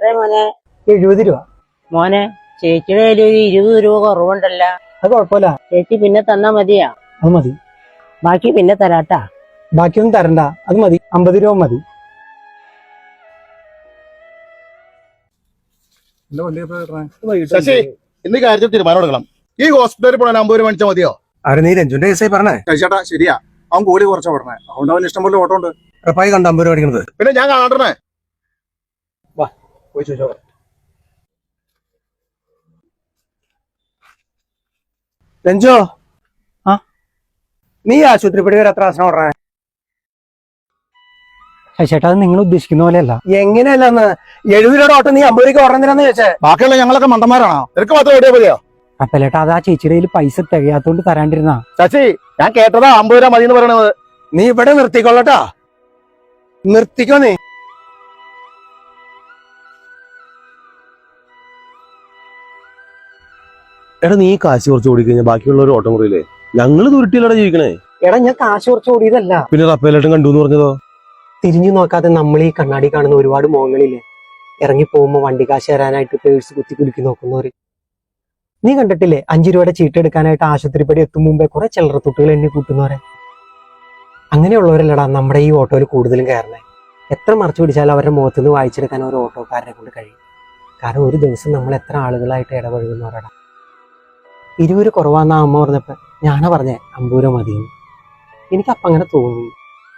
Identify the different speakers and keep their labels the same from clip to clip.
Speaker 1: എത്ര മോനെ?
Speaker 2: 70 രൂപ.
Speaker 1: മോനെ, ചേച്ചിയുടെ കയ്യിൽ ഒരു 20 രൂപ കുറവുണ്ടല്ല.
Speaker 2: അത് കുഴപ്പമില്ല,
Speaker 1: ചേച്ചി പിന്നെ തന്നാ മതിയാ?
Speaker 2: അത് മതി.
Speaker 1: ബാക്കി പിന്നെ തരാട്ടാ.
Speaker 2: ബാക്കിയൊന്നും തരണ്ട, അത് മതി. 50 രൂപ മതി.
Speaker 3: ശശി, ഇന്ന് കാര്യത്തിൽ തീരുമാനം എടുക്കണം. ഈ ഹോസ്പിറ്റലിൽ പോകാൻ 50 രൂപ മേടിച്ചാൽ മതിയോ?
Speaker 4: ആരെ നീ രഞ്ജുന്റെ കേസായി പറഞ്ഞേ?
Speaker 3: ചേട്ടാ ശരിയാ, അവൻ കൂലി കുറച്ചാ പറഞ്ഞേ. അതുകൊണ്ട് അവൻ ഇഷ്ടം പോലെ ഓട്ടോ ഉണ്ട്.
Speaker 4: ഉറപ്പായി കണ്ട 50 രൂപ അടിക്കണത്.
Speaker 3: പിന്നെ ഞാൻ കാണണേ.
Speaker 4: വാ പോയി ചോദിച്ചോ. രഞ്ജോ,
Speaker 2: ആ
Speaker 4: നീ ആശുപത്രി പടി വരെ എത്ര ആസനം ഓടണേ?
Speaker 2: ചേട്ടാ, അത് നിങ്ങൾ ഉദ്ദേശിക്കുന്ന പോലെയല്ല.
Speaker 4: എങ്ങനെയല്ലെന്ന് 70 രൂപയുടെ ഓട്ടം നീ 50 രൂപയ്ക്ക് ഓടണെന്തിനാന്ന് ചോദിച്ചേ?
Speaker 3: ബാക്കിയുള്ള ഞങ്ങളൊക്കെ മണ്ടന്മാരാണോ? നിനക്ക് മാത്രം ഓടിയാ മതിയോ?
Speaker 2: അപ്പലേട്ടാ, അത് ആ ചേച്ചിയുടെ കയ്യിൽ പൈസ തികയാത്തോണ്ട് തരാണ്ടിരുന്നാ.
Speaker 3: ശശി, ഞാൻ കേട്ടതാ 50 രൂപ മതി എന്ന് പറയണത്.
Speaker 4: നീ ഇവിടെ നിർത്തിക്കൊള്ളട്ടാ, നിർത്തിക്കോ നീ.
Speaker 5: എടാ, നീ കാശ് കുറച്ച് ഓടിക്കഴിഞ്ഞാൽ ബാക്കിയുള്ളവർ ഓട്ടം കുറയില്ലേ? ഞങ്ങള് ദുരുട്ടിയിലൂടെ ജീവിക്കണേ.
Speaker 2: എടാ, ഞാൻ കാശ് കുറച്ച് ഓടിയതല്ല.
Speaker 5: പിന്നെ റപ്പേലേട്ടൻ കണ്ടു എന്ന് പറഞ്ഞതോ?
Speaker 2: തിരിഞ്ഞു നോക്കാതെ നമ്മൾ ഈ കണ്ണാടി കാണുന്ന ഒരുപാട് മുഖങ്ങളില്ലേ, ഇറങ്ങി പോകുമ്പോ വണ്ടി കാശ് തരാനായിട്ട് പേഴ്സ് കുത്തി കുലുക്കി നോക്കുന്നവര്. നീ കണ്ടിട്ടില്ലേ 5 രൂപയുടെ ചീട്ട് എടുക്കാനായിട്ട് ആശുപത്രിപ്പടി എത്തും മുമ്പേ കുറെ ചില്ലറത്തുട്ടുകൾ എണ്ണി കൂട്ടുന്നവരെ? അങ്ങനെയുള്ളവരല്ലടാ നമ്മുടെ ഈ ഓട്ടോയിൽ കൂടുതലും കയറണേ. എത്ര മറച്ചു പിടിച്ചാലും അവരുടെ മുഖത്ത് നിന്ന് വായിച്ചെടുക്കാൻ ഒരു ഓട്ടോക്കാരനെ കൊണ്ട് കഴിയും. കാരണം ഒരു ദിവസം നമ്മൾ എത്ര ആളുകളായിട്ട് ഇടപഴകുന്നവരടാ. 20 രൂപ കുറവാന്നാ അമ്മ പറഞ്ഞപ്പോ ഞാനാ പറഞ്ഞേ 50 രൂപ മതിയെന്ന്. എനിക്കപ്പം അങ്ങനെ തോന്നി.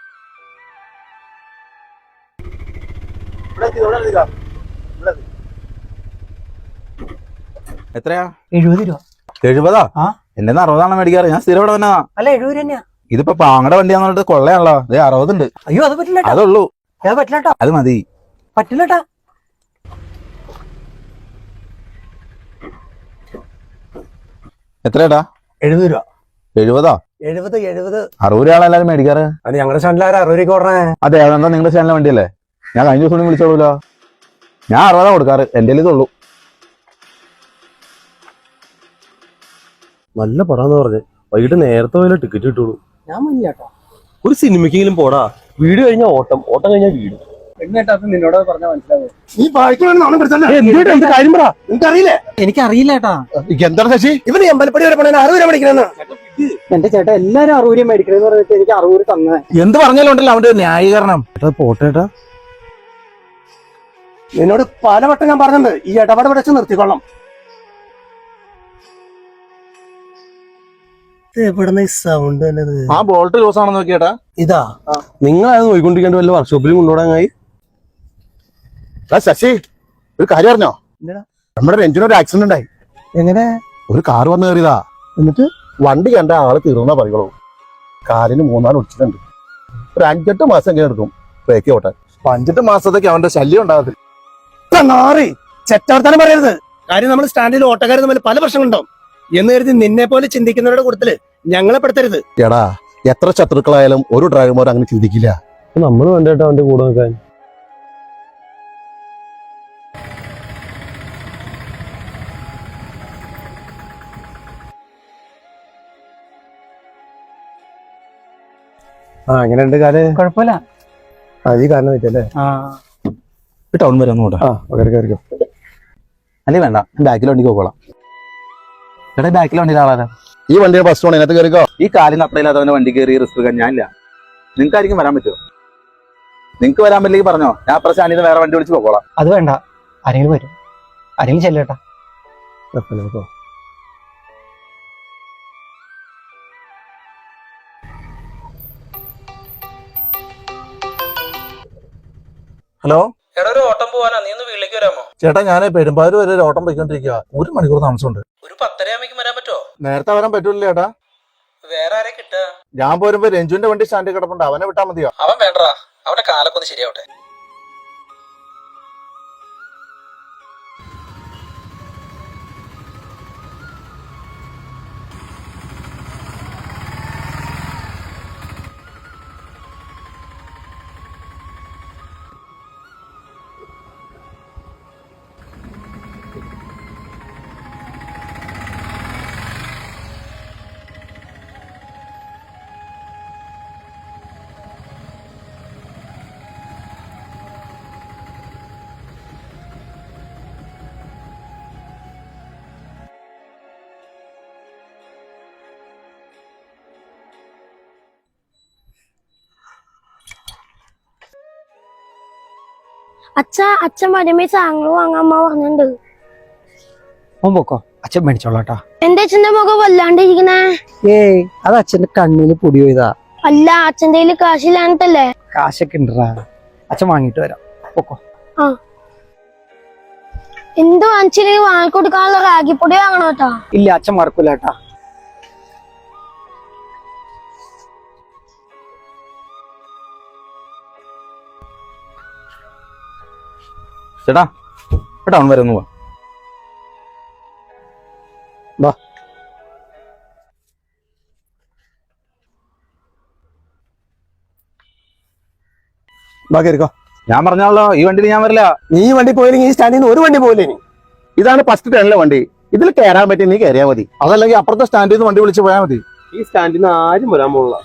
Speaker 5: എത്രയാ?
Speaker 2: 70 രൂപ.
Speaker 5: 70?
Speaker 2: ആ,
Speaker 5: എന്റെ 60 മേടിക്കാറ്. ഞാൻ സ്ഥിരം ഇവിടെ വന്നാ.
Speaker 2: അല്ല 70 രൂപ തന്നെയാ.
Speaker 5: ഇതിപ്പോ പാങ്ങടെ വണ്ടിയാന്ന് പറഞ്ഞിട്ട് കൊള്ളയാണല്ലോ. 60 ഉണ്ട്.
Speaker 2: അയ്യോ, അത് പറ്റില്ല.
Speaker 5: അതുള്ളൂ.
Speaker 2: അത് പറ്റില്ലട്ടോ.
Speaker 5: അത് മതി.
Speaker 2: പറ്റില്ലട്ടാ.
Speaker 5: എത്രയാടാ?
Speaker 4: 70 രൂപ.
Speaker 5: 70?
Speaker 4: 70
Speaker 5: 60 രൂപയാണ് എല്ലാരും മേടിക്കാറ്.
Speaker 4: അത് ഞങ്ങളുടെ സ്റ്റാൻഡിൽ 60 രൂപയ്ക്ക് ഓടണേ.
Speaker 5: അതെ, അതെന്താ നിങ്ങളുടെ ചാനലിലെ വണ്ടിയല്ലേ? ഞാൻ കഴിഞ്ഞ ദിവസം വിളിച്ചോളൂല്ലോ. ഞാൻ 60 കൊടുക്കാറ്. എന്റെ ഇതുള്ളൂ. നല്ല പടാന്ന് പറഞ്ഞു. വൈകിട്ട് നേരത്തെ പോയാലേ ടിക്കറ്റ് കിട്ടുള്ളൂ.
Speaker 2: ഞാൻ മഞ്ഞാട്ടോ.
Speaker 5: ഒരു സിനിമയ്ക്കെങ്കിലും പോടാ. വീട് കഴിഞ്ഞാൽ ഓട്ടം, ഓട്ടം കഴിഞ്ഞാൽ വീട്.
Speaker 4: നിന്നോട് പറഞ്ഞാൽ മനസ്സിലാവും.
Speaker 3: നീ
Speaker 4: കാര്യം പറ. നിനക്കറിയില്ലേ?
Speaker 2: എനിക്കറിയില്ല ചേട്ടാ.
Speaker 3: എന്താണ് ശശി?
Speaker 4: ഇവന് അമ്പലപ്പടി വരെ പോണേ 60 രൂപ മേടിക്കണെന്ന്.
Speaker 2: എന്റെ ചേട്ടാ, എല്ലാരും 60 രൂപ മേടിക്കണെന്ന് പറഞ്ഞിട്ട് എനിക്ക് 60 രൂപ തന്നെ.
Speaker 5: എന്ത് പറഞ്ഞാലും ഉണ്ടല്ലോ അവന്റെ ന്യായീകരണം. പോട്ടേട്ടാ,
Speaker 4: നിന്നോട് പലവട്ടം ഞാൻ പറഞ്ഞിട്ടുണ്ട്, ഈ ഇടപാട് വെച്ച് നിർത്തിക്കൊള്ളാം. എവിടുന്ന ഈ സൗണ്ട് തന്നെ?
Speaker 3: ആ ബോൾട്ട് ലൂസ് ആണെന്ന് നോക്കിയേട്ടാ.
Speaker 4: ഇതാ
Speaker 5: നിങ്ങളത് നോയിക്കൊണ്ടിരിക്കേണ്ട വല്ല വർക്ക്ഷോപ്പിലും കൊണ്ടുപോടാങ്ങായി.
Speaker 3: ശശി, ഒരു കാര്യം അറിഞ്ഞോ? നമ്മുടെ രഞ്ജിനൊരു ആക്സിഡന്റ് ഉണ്ടായി.
Speaker 4: എങ്ങനെ?
Speaker 3: ഒരു കാർ വന്ന് കയറിയതാ.
Speaker 4: എന്നിട്ട്
Speaker 3: വണ്ടി കണ്ട ആള് തീർന്നാ പറയുള്ളൂ. കാലിന് 3-4 ഒടിച്ചിട്ടുണ്ട്. ഒരു 5-8 മാസം എങ്ങനെ എടുക്കും ബ്രേക്ക് ഓട്ടാൻ. 5-8 മാസത്തേക്ക് അവന്റെ ശല്യം ഉണ്ടാകത്തില്ല.
Speaker 4: ചെറ്റവർത്താനം പറയരുത്. കാര്യം നമ്മൾ സ്റ്റാൻഡിൽ ഓട്ടക്കാർ തമ്മിൽ പല പ്രശ്നങ്ങളുണ്ടാവും എന്ന് കരുതി നിന്നെ പോലെ ചിന്തിക്കുന്നവരുടെ കൂട്ടത്തില് ഞങ്ങളെ പെടുത്തരുത്.
Speaker 3: എടാ, എത്ര ശത്രുക്കളായാലും ഒരു ഡ്രൈവർമാർ അങ്ങനെ ചിന്തിക്കില്ല.
Speaker 5: നമ്മൾ വേണ്ടേട്ടാ അവന്റെ കൂടെ നിൽക്കാൻ.
Speaker 4: എങ്ങനെയുണ്ട് കാല്?
Speaker 2: കുഴപ്പമില്ല.
Speaker 4: അത് ഈ കാരണം വെച്ചല്ലേ?
Speaker 5: ടൗൺ വരെ ഒന്ന് കൂട്ടാ.
Speaker 4: കയറിക്കോ.
Speaker 5: അല്ലേ വേണ്ട, ബാക്കിൽ വണ്ടിക്ക് പോകോളാം. ചേട്ടാ, ബാക്കിൽ വണ്ടിയിൽ ആളാരാ?
Speaker 3: ഈ വണ്ടിയുടെ ബസ് സ്റ്റോൺ ഇതിനകത്ത് കയറിക്കോ.
Speaker 5: ഈ കാലിന് അത്രയില്ലാത്തവന്റെ വണ്ടി കയറി റിസ്ക് എടുക്കാൻ ഞാനില്ല. നിങ്ങൾക്കായിരിക്കും വരാൻ പറ്റുമോ? നിങ്ങൾക്ക് വരാൻ പറ്റില്ലെങ്കിൽ പറഞ്ഞോ, ഞാൻ അപ്പുറം സ്റ്റാൻഡിൽ വേറെ വണ്ടി വിളിച്ച് പോകോളാം.
Speaker 2: അത് വേണ്ട, ആരെങ്കിലും വരും. ആരെങ്കിലും ചെല്ലേട്ടാ.
Speaker 4: ഹലോ
Speaker 6: എടാ, ഒരു ഓട്ടം പോവാനാ, നീ ഒന്ന് വീട്ടിലേക്ക് വരാമോ?
Speaker 3: ചേട്ടാ, ഞാൻ പെരുമ്പാവൂർ വരെ ഒരു ഓട്ടം പോയിക്കൊണ്ടിരിക്കുക. 1 മണിക്കൂർ താമസമുണ്ട്.
Speaker 6: ഒരു 10:30 ആകുമ്പോഴേക്കും വരാൻ പറ്റുമോ?
Speaker 3: നേരത്തെ വരാൻ പറ്റൂല ചേട്ടാ.
Speaker 6: വേറെ ആരെ കിട്ടുക?
Speaker 3: ഞാൻ പോരുമ്പോ രഞ്ജുവിന്റെ വണ്ടി സ്റ്റാൻഡിൽ കിടപ്പുണ്ട്. അവനെ വിട്ടാ മതിയോ?
Speaker 6: അവൻ വേണ്ടടാ, അവന്റെ കാലൊക്കെ ഒന്ന് ശരിയാവട്ടെ.
Speaker 7: അച്ഛൻ വരുമ്പോ സാധനങ്ങൾ വാങ്ങാൻ അമ്മ പറഞ്ഞിട്ടുണ്ട്.
Speaker 2: അവൻ പൊക്കോ, അച്ഛൻ മേടിച്ചോളാട്ടാ.
Speaker 7: എന്റെ അച്ഛന്റെ മുഖം വല്ലാണ്ടിരിക്കണേ.
Speaker 2: ഏയ് അത് അച്ഛന്റെ കണ്ണില് പൊടി പോയതാ.
Speaker 7: അല്ല, അച്ഛന്റെ കയ്യില് കാശില്ലാന്നിട്ടല്ലേ?
Speaker 2: കാശൊക്കെ ഉണ്ടറാ, അച്ഛൻ വാങ്ങിട്ട് വരാം. പൊക്കോ.
Speaker 7: എന്ത് വാങ്ങിച്ചില്ലെങ്കിൽ വാങ്ങിക്കൊടുക്കാനുള്ള റാഗിപ്പൊടി വാങ്ങണോ കേട്ടാ?
Speaker 2: ഇല്ല, അച്ഛൻ മറക്കൂലേട്ടാ.
Speaker 5: ചേട്ടാ ടൗൺ വരെ ഒന്ന് പോവാ.
Speaker 3: ബാക്കിയിരിക്കോ.
Speaker 5: ഞാൻ പറഞ്ഞാലോ ഈ വണ്ടിയിൽ ഞാൻ വരില്ല.
Speaker 3: നീ വണ്ടി പോയില്ലെങ്കിൽ ഈ സ്റ്റാൻഡിൽ നിന്ന് ഒരു വണ്ടി പോയില്ലേ? നീ ഇതാണ് ഫസ്റ്റ് ടേണിലെ വണ്ടി. ഇതിൽ കയറാൻ പറ്റി നീ കയറിയാൽ മതി. അതല്ലെങ്കിൽ അപ്പുറത്തെ സ്റ്റാൻഡിൽ നിന്ന് വണ്ടി വിളിച്ച് പോയാൽ മതി.
Speaker 2: ഈ സ്റ്റാൻഡിൽ നിന്ന് ആരും വരാൻ പോകില്ല.